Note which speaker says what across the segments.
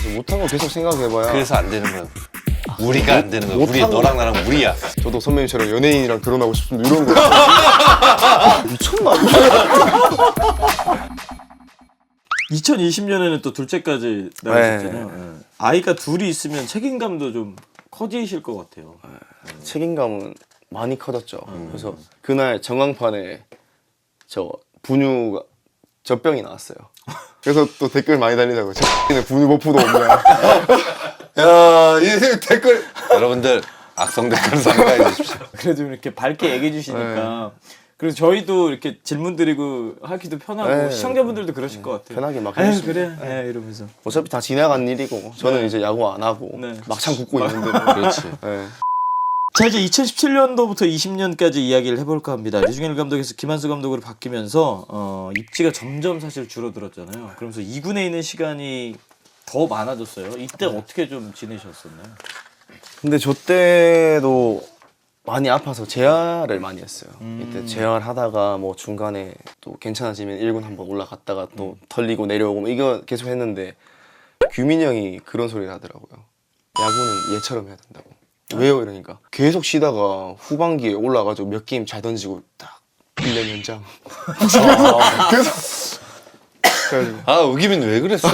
Speaker 1: 못한 거 계속 생각해봐야.
Speaker 2: 그래서 안 되는 거야. 우리가 안 되는 거야. 우리 너랑 나랑 우리야.
Speaker 1: 저도 선배님처럼 연예인이랑 결혼하고 싶습니다. 이런 거. 미쳤나?
Speaker 3: 2020년에는 또 둘째까지 나가셨잖아요. 네. 아이가 둘이 있으면 책임감도 좀 커지실 것 같아요.
Speaker 1: 책임감은 많이 커졌죠. 그래서 그날 전광판에 저 분유가 젖병이 나왔어요. 그래서 또 댓글 많이 달리더라고요. 저 분유 버프도 없냐.
Speaker 2: 야, 이 댓글 여러분들 악성 댓글 삼가해 주십시오.
Speaker 3: 그래도 이렇게 밝게 얘기해 주시니까 그래서 저희도 이렇게 질문 드리고 하기도 편하고
Speaker 1: 네.
Speaker 3: 시청자분들도 그러실 것 같아요.
Speaker 1: 편하게 막
Speaker 3: 에휴,
Speaker 1: 해주시면.
Speaker 3: 그래 네, 이러면서
Speaker 1: 어차피 다 지나간 일이고 저는 이제 야구 안 하고
Speaker 3: 네.
Speaker 1: 막창 굽고 있는데.
Speaker 2: 그렇지.
Speaker 1: 네.
Speaker 3: 자 이제 2017년도부터 20년까지 이야기를 해볼까 합니다. 류중일 감독에서 김한수 감독으로 바뀌면서 입지가 점점 사실 줄어들었잖아요. 그러면서 2군에 있는 시간이 더 많아졌어요. 이때 어떻게 좀 지내셨었나요?
Speaker 1: 근데 저 때도 많이 아파서 재활을 많이 했어요. 이때 재활하다가 뭐 중간에 또 괜찮아지면 1군 한번 올라갔다가 또 털리고 내려오고 뭐 이거 계속 했는데 규민이 형이 그런 소리를 하더라고요. 야구는 얘처럼 해야 된다고. 왜요? 이러니까 계속 쉬다가 후반기에 올라가지고 몇 게임 잘 던지고 딱 1년 연장. 그래서
Speaker 2: 아, 우기민 왜 그랬어?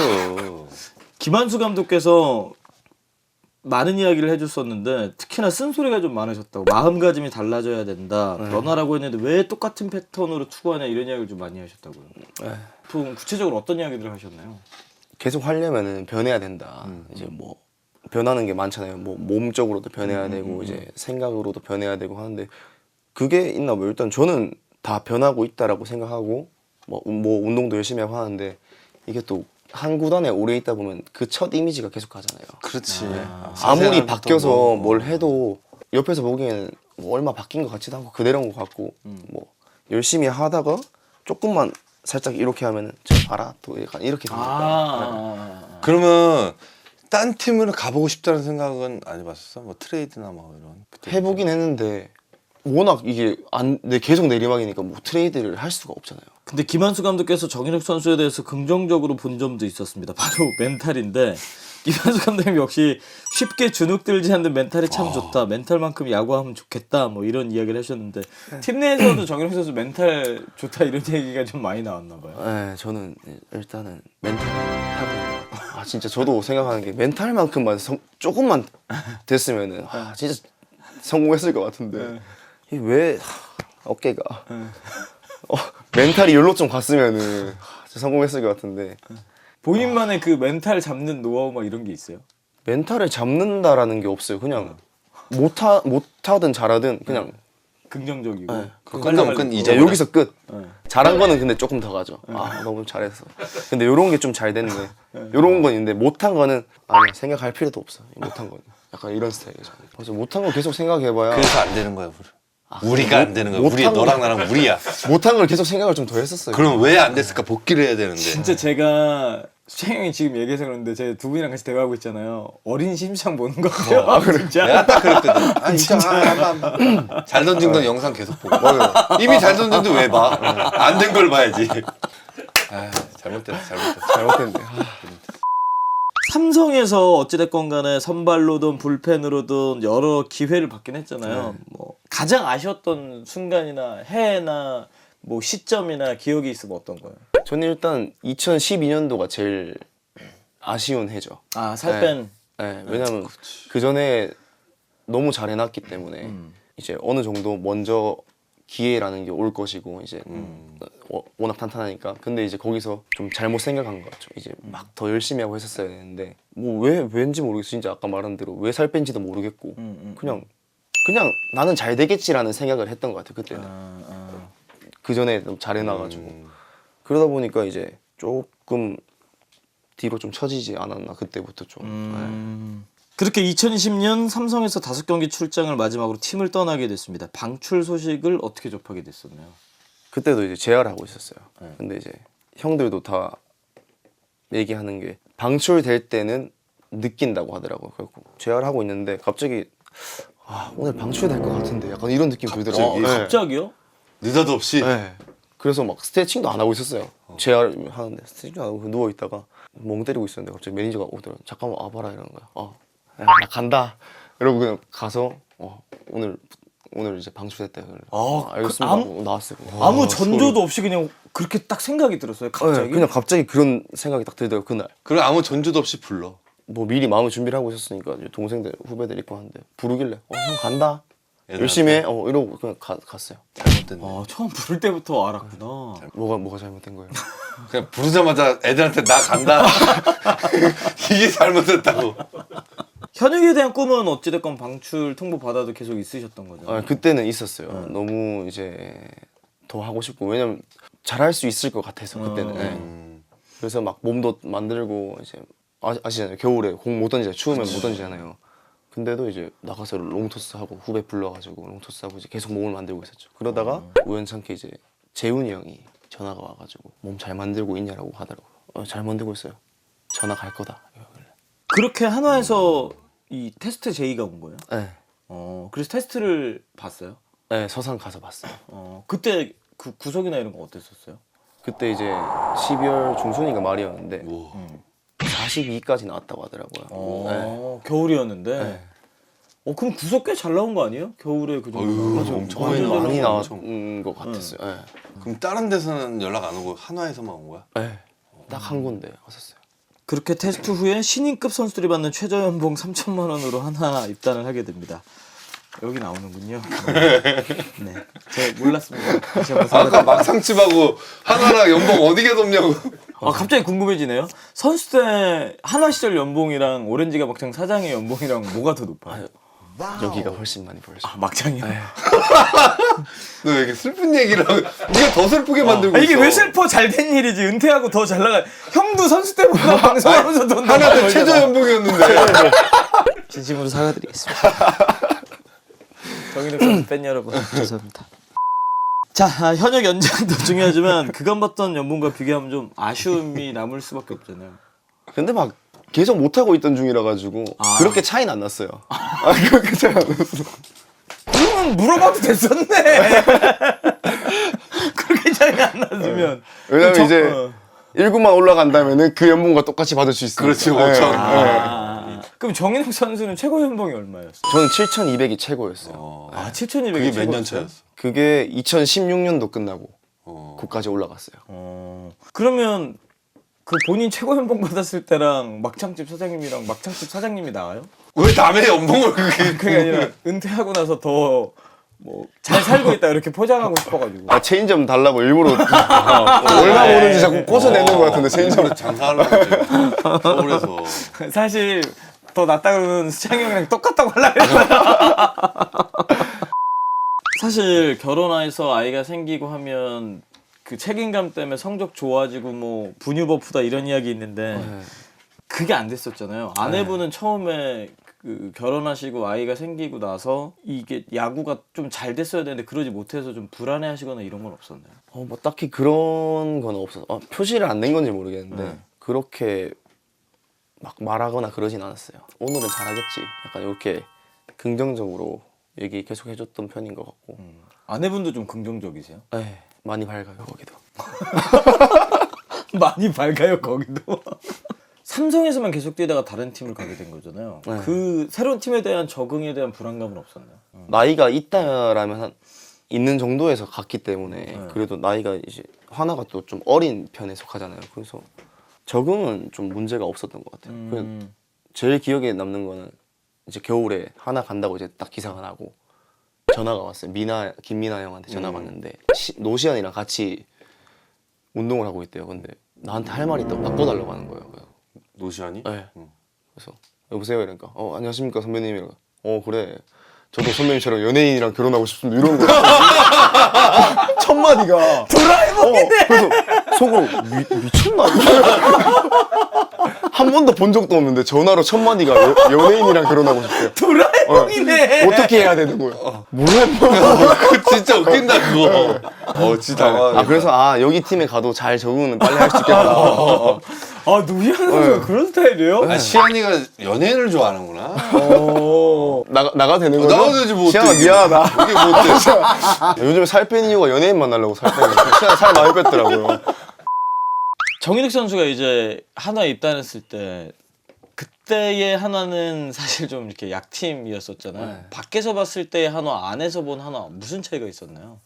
Speaker 3: 김한수 감독께서 많은 이야기를 해줬었는데 특히나 쓴소리가 좀 많으셨다고. 마음가짐이 달라져야 된다. 변화라고 했는데 왜 똑같은 패턴으로 투구하냐 이런 이야기를 좀 많이 하셨다고요. 보통 구체적으로 어떤 이야기들을 하셨나요?
Speaker 1: 계속 하려면은 변해야 된다. 이제 뭐 변하는 게 많잖아요. 뭐 몸적으로도 변해야 되고 이제 생각으로도 변해야 되고 하는데 그게 있나 뭐 일단 저는 다 변하고 있다라고 생각하고 뭐 운동도 열심히 하고 하는데 이게 또 한 구단에 오래 있다 보면 그 첫 이미지가 계속 가잖아요.
Speaker 2: 그렇지.
Speaker 1: 아무리 바뀌어서 뭘 해도 옆에서 보기에는 뭐 얼마 바뀐 것 같지도 않고 그대로인 것 같고 뭐 열심히 하다가 조금만 살짝 이렇게 하면은 저 봐라 또 약간 이렇게 되니까.
Speaker 2: 그러면 딴 팀으로 가보고 싶다는 생각은 안 해봤었어? 뭐 트레이드나 뭐 이런.
Speaker 1: 해보긴 했는데 워낙 이게 계속 내리막이니까 뭐 트레이드를 할 수가 없잖아요.
Speaker 3: 근데 김한수 감독께서 정인욱 선수에 대해서 긍정적으로 본 점도 있었습니다. 바로 멘탈인데 김한수 감독님 역시 쉽게 주눅들지 않는 멘탈이 참 좋다. 멘탈만큼 야구하면 좋겠다. 뭐 이런 이야기를 하셨는데 팀 내에서도 정인욱 선수 멘탈 좋다 이런 얘기가 좀 많이 나왔나 봐요.
Speaker 1: 네, 저는 일단은 멘탈 타고 진짜 저도 생각하는 게 멘탈만큼만 조금만 됐으면은 진짜 성공했을 것 같은데 이게 왜 어깨가 멘탈이 열로 좀 갔으면은 진짜 성공했을 것 같은데
Speaker 3: 본인만의 그 멘탈 잡는 노하우 막 이런 게 있어요?
Speaker 1: 멘탈을 잡는다라는 게 없어요. 그냥 못하든 잘하든 그냥
Speaker 3: 긍정적이고
Speaker 2: 끝나면
Speaker 1: 이제 여기서 끝. 잘한 거는 근데 조금 더 가죠. 너무 잘했어. 근데 요런 게 좀 잘 됐네. 요런 건 있는데 못한 거는 아니 생각할 필요도 없어. 못한 거는 약간 이런 스타일이죠. 그래서 못한 거 계속 생각해봐야.
Speaker 2: 그래서 안 되는 거야, 우리가 안 되는 거야. 우리
Speaker 1: 못한
Speaker 2: 너랑 나랑 우리야.
Speaker 1: 못한 걸 계속 생각을 좀 더 했었어요.
Speaker 2: 그럼 왜 안 됐을까? 복귀를 해야 되는데.
Speaker 3: 진짜 제가 수창 형이 지금 얘기해서 그런데 제가 두 분이랑 같이 대화하고 있잖아요. 어린 심상 보는 거 같아요. 진짜.
Speaker 2: 내가 딱 그랬거든. 아니 진짜 잘 던진 건 영상 계속 보고. 이미 잘 던졌는데 왜 봐? 안 된 걸 봐야지.
Speaker 1: 잘못됐네.
Speaker 3: 삼성에서 어찌됐건 간에 선발로든 불펜으로든 여러 기회를 받긴 했잖아요. 뭐 가장 아쉬웠던 순간이나 해나 뭐 시점이나 기억이 있으면 어떤 거예요?
Speaker 1: 저는 일단 2012년도가 제일 아쉬운 해죠.
Speaker 3: 살 뺀.
Speaker 1: 네, 왜냐면 그 전에 너무 잘 해놨기 때문에 이제 어느 정도 먼저 기회라는 게 올 것이고 이제 워낙 탄탄하니까. 근데 이제 거기서 좀 잘못 생각한 것 같죠. 이제 막 더 열심히 하고 했었어야 되는데 뭐 왠지 모르겠어. 진짜 아까 말한 대로 왜 살 뺀지도 모르겠고 그냥 나는 잘 되겠지라는 생각을 했던 것 같아요. 그때는. 그 전에 너무 잘 해놔가지고 그러다 보니까 이제 조금 뒤로 좀 처지지 않았나 그때부터 좀.
Speaker 3: 그렇게 2020년 삼성에서 5경기 출장을 마지막으로 팀을 떠나게 됐습니다. 방출 소식을 어떻게 접하게 됐었나요?
Speaker 1: 그때도 이제 재활하고 있었어요. 근데 이제 형들도 다 얘기하는 게 방출될 때는 느낀다고 하더라고요. 그래서 재활하고 있는데 갑자기 오늘 방출될 것 같은데 약간 이런 느낌 들더라고요.
Speaker 3: 갑자기요?
Speaker 2: 느닷없이.
Speaker 1: 네. 그래서 막 스트레칭도 안 하고 있었어요. 재활 하는데 스트레칭도 안 하고 누워 있다가 멍 때리고 있었는데 갑자기 매니저가 오더라고. 잠깐만 와봐라 이러는 거야. 야, 나 간다. 이러고 그냥 가서 오늘 이제 방출됐다. 알겠습니다. 하고 나왔어요.
Speaker 3: 아무 전조도 없이 그냥 그렇게 딱 생각이 들었어요. 갑자기.
Speaker 1: 네, 그냥 갑자기 그런 생각이 딱 들더라고요. 그날.
Speaker 2: 그래 아무 전조도 없이 불러.
Speaker 1: 뭐 미리 마음의 준비를 하고 있었으니까 이제 동생들 후배들 있고 하는데 부르길래 형 간다.
Speaker 2: 얘들한테?
Speaker 1: 열심히 해. 이러고 그냥 갔어요.
Speaker 2: 잘못됐네.
Speaker 3: 처음 부를 때부터 알았구나.
Speaker 1: 뭐가 잘못된 거예요?
Speaker 2: 그냥 부르자마자 애들한테 나 간다. 이게 잘못됐다고.
Speaker 3: 현역에 대한 꿈은 어찌됐건 방출 통보 받아도 계속 있으셨던 거죠.
Speaker 1: 그때는 있었어요. 너무 이제 더 하고 싶고 왜냐면 잘할 수 있을 것 같아서 그때는. 네. 그래서 막 몸도 만들고 이제 아시잖아요. 겨울에 공 못 던지잖아요. 추우면 못 던지잖아요. 근데도 이제 나가서 롱토스 하고 후배 불러가지고 롱토스 하고 이제 계속 몸을 만들고 있었죠. 그러다가 우연찮게 이제 재훈이 형이 전화가 와가지고 몸 잘 만들고 있냐라고 하더라고요. 잘 만들고 있어요. 전화 갈 거다. 이러길래.
Speaker 3: 그렇게 한화에서 이 테스트 제의가 온 거예요?
Speaker 1: 네.
Speaker 3: 그래서 테스트를 봤어요?
Speaker 1: 네, 서산 가서 봤어요.
Speaker 3: 그때 그 구석이나 이런 거 어땠었어요?
Speaker 1: 그때 이제 12월 중순인가 말이었는데
Speaker 2: 오.
Speaker 1: 42까지 나왔다고 하더라고요. 네.
Speaker 3: 겨울이었는데.
Speaker 1: 네.
Speaker 3: 그럼 구석 꽤 잘 나온 거 아니에요? 겨울에 그 정도.
Speaker 2: 맞아, 엄청
Speaker 1: 많이
Speaker 2: 많이
Speaker 1: 나온 것 같았어요. 네.
Speaker 2: 그럼 다른 데서는 연락 안 오고 한화에서만 온 거야?
Speaker 1: 네. 딱 한 군데 왔었어요.
Speaker 3: 그렇게 테스트 후에 신인급 선수들이 받는 최저 연봉 3천만 원으로 한화 입단을 하게 됩니다. 여기 나오는군요. 네, 제가 몰랐습니다. 다시 한번
Speaker 2: 아까 막상집하고 한화랑 연봉 어디가 높냐고.
Speaker 3: 갑자기 궁금해지네요. 선수 때 한화 시절 연봉이랑 오렌지가 막창 사장의 연봉이랑 뭐가 더 높아요?
Speaker 1: 여기가 훨씬 많이 벌죠.
Speaker 3: 막창이요?
Speaker 2: 너 왜 이렇게 슬픈 얘기를 하고 네가 더 슬프게 만들고
Speaker 3: 이게
Speaker 2: 있어.
Speaker 3: 왜 슬퍼? 잘 된 일이지. 은퇴하고 더 잘 나가. 형도 선수 때보다 방송하면서 돈
Speaker 2: 하나도 최저 연봉이었는데.
Speaker 3: 진심으로 사과드리겠습니다. 정인욱 선수 팬 여러분 죄송합니다. 자, 현역 연장도 중요하지만 그간 받던 연봉과 비교하면 좀 아쉬움이 남을 수밖에 없잖아요.
Speaker 1: 근데 막 계속 못 하고 있던 중이라 가지고 그렇게 차이는 안 났어요. 그렇게 차이 안 났어.
Speaker 3: 그러면 물어봐도 됐었네. 그렇게 차이 안 났으면.
Speaker 1: 왜냐면 이제 1군만 올라간다면은 그 연봉과 똑같이 받을 수 있어요.
Speaker 2: 그렇지 5천.
Speaker 3: 그럼 정인욱 선수는 최고 연봉이 얼마였어요?
Speaker 1: 저는 7,200이 최고였어요.
Speaker 3: 7,200이
Speaker 2: 그게 몇 년 차였어?
Speaker 1: 그게 2016년도 끝나고
Speaker 2: 어.
Speaker 1: 거기까지 올라갔어요.
Speaker 3: 그러면 그 본인 최고 연봉 받았을 때랑 막창집 사장님이랑 막창집 사장님이 나와요?
Speaker 2: 왜 남의 연봉을 그렇게?
Speaker 3: 그게 아니라 은퇴하고 나서 더 뭐 잘 살고 있다 이렇게 포장하고 싶어가지고.
Speaker 1: 체인점 달라고 일부러 얼마 버는지 자꾸 꽂아내는 것 같은데 체인점.
Speaker 2: 장사하려고 이제 서울에서.
Speaker 3: 사실 더 낫다 그러면 수창이 형이랑 똑같다고 하려고 했어요. 사실 결혼해서 아이가 생기고 하면 그 책임감 때문에 성적 좋아지고 뭐 분유 버프다 이런 이야기 있는데 그게 안 됐었잖아요. 아내분은 처음에 그 결혼하시고 아이가 생기고 나서 이게 야구가 좀 잘 됐어야 되는데 그러지 못해서 좀 불안해하시거나 이런 건 없었나요?
Speaker 1: 뭐 딱히 그런 건 없어서 표시를 안 낸 건지 모르겠는데 그렇게 막 말하거나 그러진 않았어요. 오늘은 잘하겠지. 약간 이렇게 긍정적으로 얘기 계속 해줬던 편인 것 같고.
Speaker 3: 아내분도 좀 긍정적이세요?
Speaker 1: 네, 많이 밝아요 거기도.
Speaker 3: 많이 밝아요 거기도. 삼성에서만 계속 뛰다가 다른 팀을 가게 된 거잖아요.
Speaker 1: 네.
Speaker 3: 그 새로운 팀에 대한 적응에 대한 불안감은 없었나요?
Speaker 1: 나이가 있다라면 있는 정도에서 갔기 때문에 그래도 나이가 이제 하나가 또 좀 어린 편에 속하잖아요. 그래서 적응은 좀 문제가 없었던 것 같아요. 그냥 제일 기억에 남는 거는 이제 겨울에 하나 간다고 이제 딱 기사가 나고 전화가 왔어요. 김민아 형한테 전화가 왔는데 노시안이랑 같이 운동을 하고 있대요. 근데 나한테 할 말이 있다고 바꿔달라고 하는 거예요.
Speaker 2: 노시안이?
Speaker 1: 네. 그래서 여보세요 이러니까 안녕하십니까 선배님 이러니까 그래 저도 선배님처럼 연예인이랑 결혼하고 싶습니다 이런 거. 첫 마디가
Speaker 3: 드라이버이네.
Speaker 1: 그래서 속으로 미쳤나? 한 번도 본 적도 없는데 전화로 첫 마디가 연예인이랑 결혼하고 싶대요.
Speaker 3: 드라이버. 해몽이네.
Speaker 1: 어떻게 해야 되는 거예요?
Speaker 2: 그 진짜 웃긴다 그거. 진짜 당황하네.
Speaker 1: 아 그래서 여기 팀에 가도 잘 적응은 빨리 할 수 있겠다.
Speaker 3: 아 노희환 선수가 그런 스타일이에요?
Speaker 2: 시안이가 연예인을 좋아하는구나.
Speaker 1: 나가 되는 거죠?
Speaker 2: 나가도 되지 뭐.
Speaker 1: 시안아
Speaker 2: 어때, 이게.
Speaker 1: 미안하다.
Speaker 2: 이게 뭐 어때?
Speaker 1: 요즘 살 뺀 이유가 연예인 만나려고 살 빼는 거예요. 시안아 살 많이 뺐더라고요.
Speaker 3: 정인욱 선수가 이제 한화에 입단했을 때 그때의 한화는 사실 좀 이렇게 약팀이었었잖아요. 밖에서 봤을 때 한화, 안에서 본 한화 무슨 차이가 있었나요?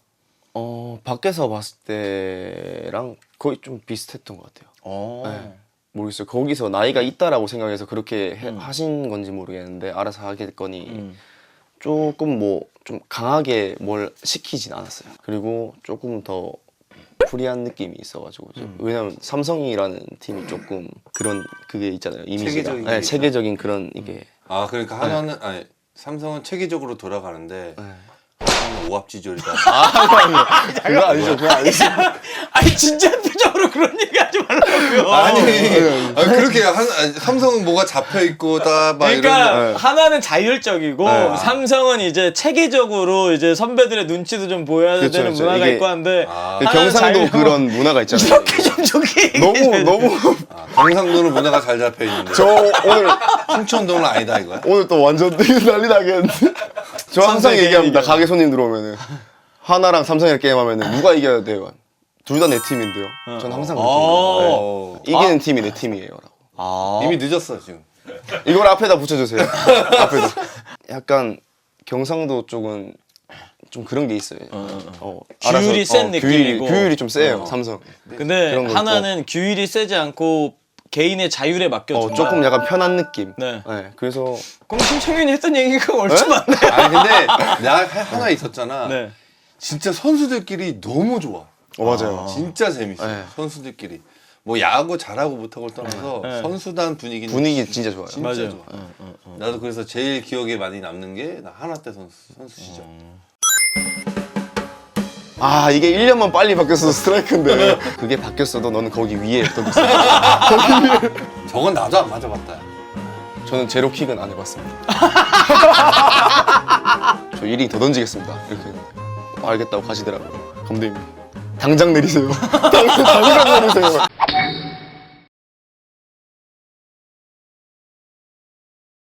Speaker 1: 밖에서 봤을 때랑 거의 좀 비슷했던 것 같아요. 네. 모르겠어요. 거기서 나이가 있다라고 생각해서 그렇게 하신 건지 모르겠는데 알아서 하겠거니 조금 뭐 좀 강하게 뭘 시키진 않았어요. 그리고 조금 더 프리한 느낌이 있어가지고 왜냐면 삼성이라는 팀이 조금 그런 그게 있잖아요. 이미지가
Speaker 2: 체계적인 게
Speaker 1: 네,
Speaker 2: 있죠.
Speaker 1: 체계적인 그런 이게
Speaker 2: 그러니까 하나는 아니 삼성은 체계적으로 돌아가는데
Speaker 1: 네.
Speaker 2: 하나는 오합지졸이다.
Speaker 1: 그거 아니죠. 그거 아니죠.
Speaker 3: 아니 진짜 표정으로 그런 얘기 하지 말라고요.
Speaker 2: 아니 그렇게 삼성은 뭐가 잡혀 있고 다 막
Speaker 3: 그러니까
Speaker 2: 이런.
Speaker 3: 하나는 자율적이고
Speaker 1: 네.
Speaker 3: 삼성은 이제 체계적으로 이제 선배들의 눈치도 좀 보여야
Speaker 1: 그쵸,
Speaker 3: 되는
Speaker 1: 그쵸.
Speaker 3: 문화가
Speaker 1: 이게
Speaker 3: 있고 한데 하나는
Speaker 1: 경상도
Speaker 3: 자율적으로
Speaker 1: 그런 문화가 있잖아요.
Speaker 3: 이렇게 좀 좋게
Speaker 1: 너무
Speaker 2: 경상도는 문화가 잘 잡혀 있는데.
Speaker 1: 저 오늘
Speaker 2: 충청도는 아니다 이거야.
Speaker 1: 오늘 또 완전 난리 나겠는데. 저 항상
Speaker 3: 삼성이
Speaker 1: 얘기합니다.
Speaker 3: 이겨.
Speaker 1: 가게 손님 들어오면은 하나랑 삼성이랑 게임하면은 누가 이겨야 돼요? 둘 다 내 팀인데요. 전 항상 그렇게 이기는 팀이 내 팀이에요라고.
Speaker 2: 이미 늦었어 지금.
Speaker 1: 이걸 앞에다 붙여주세요. 앞에다. 약간 경상도 쪽은 좀 그런 게 있어요.
Speaker 3: 규율이 센 느낌이고.
Speaker 1: 규율이 좀 세요. 삼성.
Speaker 3: 근데
Speaker 1: 그런 거
Speaker 3: 하나는 규율이 세지 않고 개인의 자율에 맡겨준다.
Speaker 1: 조금 약간 편한 느낌.
Speaker 3: 네.
Speaker 1: 그래서
Speaker 3: 그럼 신청윤이 했던 얘기가 얼추 맞네.
Speaker 2: 아니 근데 나 하나 있었잖아.
Speaker 3: 네.
Speaker 2: 진짜 선수들끼리 너무 좋아.
Speaker 1: 맞아요.
Speaker 2: 진짜 재밌어.
Speaker 1: 네.
Speaker 2: 선수들끼리. 뭐 야구 잘하고 못하고를 떠나서
Speaker 3: 네.
Speaker 2: 선수단 분위기는
Speaker 1: 분위기 진짜 좋아요.
Speaker 2: 진짜
Speaker 3: 맞아요.
Speaker 2: 좋아. 나도 그래서 제일 기억에 많이 남는 게 나 하나 때 선수 시절.
Speaker 1: 이게 1년만 빨리 바뀌었어도 스트라이크인데 그게 바뀌었어도 너는 거기 위에 던졌어.
Speaker 2: 저건 나도 안 맞아봤다.
Speaker 1: 저는 제로킥은 안 해봤습니다. 저 1인 더 던지겠습니다. 이렇게 알겠다고 가시더라고요. 감독님 당장 내리세요. 당장 내리세요.